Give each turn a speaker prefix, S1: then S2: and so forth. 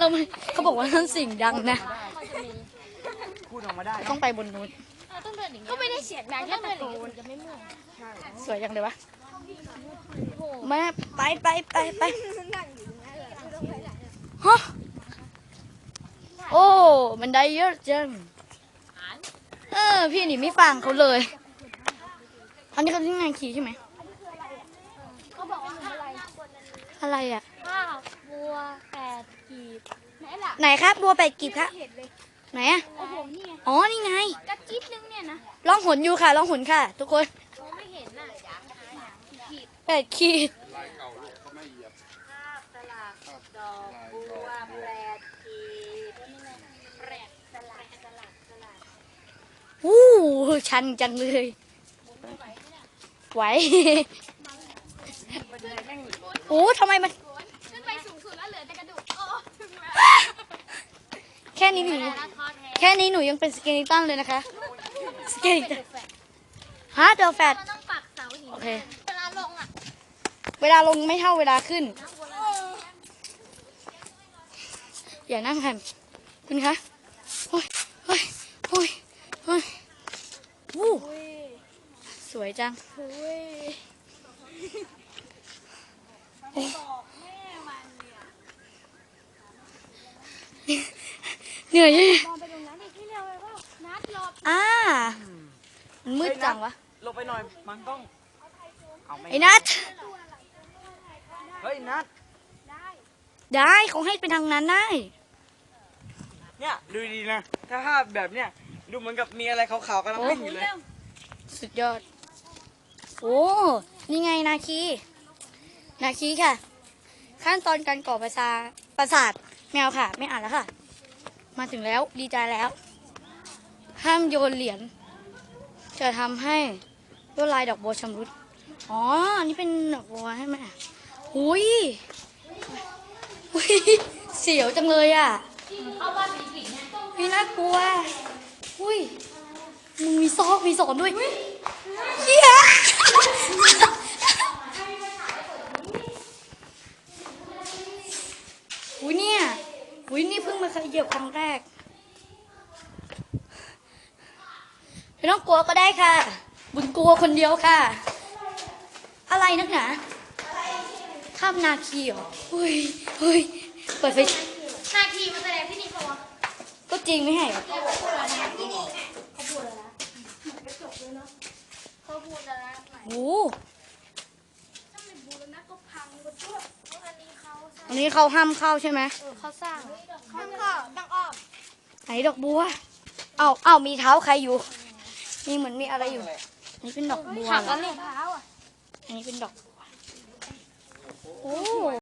S1: ทำไมเขาบอกว่านั่นสิ่งดังนะ
S2: พูดออกมาได้
S1: ต้องไปบนนู้น
S3: ก็ไม่ได้เสียงดังแค่ตะโกนจะไม่เมื่อย
S1: สวยจังเลยวะแม่ไปฮะโอ้มันได้เยอะจังพี่นี่ไม่ฟังเขาเลยอันนี้เขาที่งานขี่ใช่ไหม
S3: เขาบอกว่า
S1: อะไรอ่ะ
S3: ข้าวบัว8 กีบไหนล่ะ
S1: ไหนครับบัว8 กีบครับไหนอ่ะ
S3: โอ้โหนี่ไง
S1: อ๋อนี่ไง
S3: กระจิ๊ดนึงเนี่ยนะ
S1: ล่องหนอยู่ค่ะล่องหนค่ะทุกคน
S3: มองไม่เห็นน่ะ
S1: 8 ขีด
S2: ลายเก่าลูกเขาไม่เหยียบ
S3: ข้าวสลัดดอกบัว8 กีบสลัด
S1: วู้ชันจังเลยไหวโอ้ทำไมมัน
S3: ขึ้นไปสูงสุดแล้วเหลือแต่กระดูก
S1: แค่นี้หนูยังเป็นสเกลิตันเลยนะคะสเกลิตันฮะเดลแฟต
S3: ต้องปักเสาหิน
S1: โอเค
S3: เวลาลงอ่ะ
S1: เวลาลงไม่เท่าเวลาขึ้นอย่านั่งค่ะคุณคะโอ้ยวู้สวยจังเหนื่อยเลยมันมืดจังวะ
S2: ลงไปหน่อยมันต้อง
S1: ไอ้นัท
S2: เฮ้ยนัท
S1: ได้เขาให้ไปทางนั้นได้
S2: เนี่ยดูดีนะถ้าภาพแบบเนี้ยดูเหมือนกับมีอะไรขาวๆกำลังวิ่งอยู่เลย
S1: สุดยอดโอ้นี่ไงนาคีค่ะขั้นตอนการก่อประสาทแมวค่ะไม่อ่านแล้วค่ะมาถึงแล้วดีใจแล้วห้ามโยนเหรียญจะทำให้ลวดลายดอกบัวชำรุดอ๋ออันนี้เป็นดอกบัวให้ไหมหุยเสียวจังเลยอ่ะพี่น่ากลัวอุ้ยมึงมีซอกมีสอนด้วยเฮียอุ้ยเนี่ยอุ้ยนี่เพิ่งมาเคยเหยียบครั้งแรกไม่ต้องกลัวก็ได้ค่ะบุญกลัวคนเดียวค่ะอะไรนักหนาข้ามนาคีเหรอเฮ้ยเปิดไฟ
S3: นาคีมาแสดงที่นี่เขา
S1: ก็จริงไม่ให้เหรอ
S3: เขาพูดแล้วนะ
S1: โอ้อันนี้เขาห้ามเข้าใช่ไหม
S3: เขาสร้างห้ามเข้าดังอ้อม
S1: ไหนดอกบัวเอามีเท้าใครอยู่นี่เหมือนมีอะไรอยู่นี่เป็นดอกบัว
S3: หักแล้วนี่เท้าอ่ะ
S1: อันนี้เป็นดอกบัวโอ้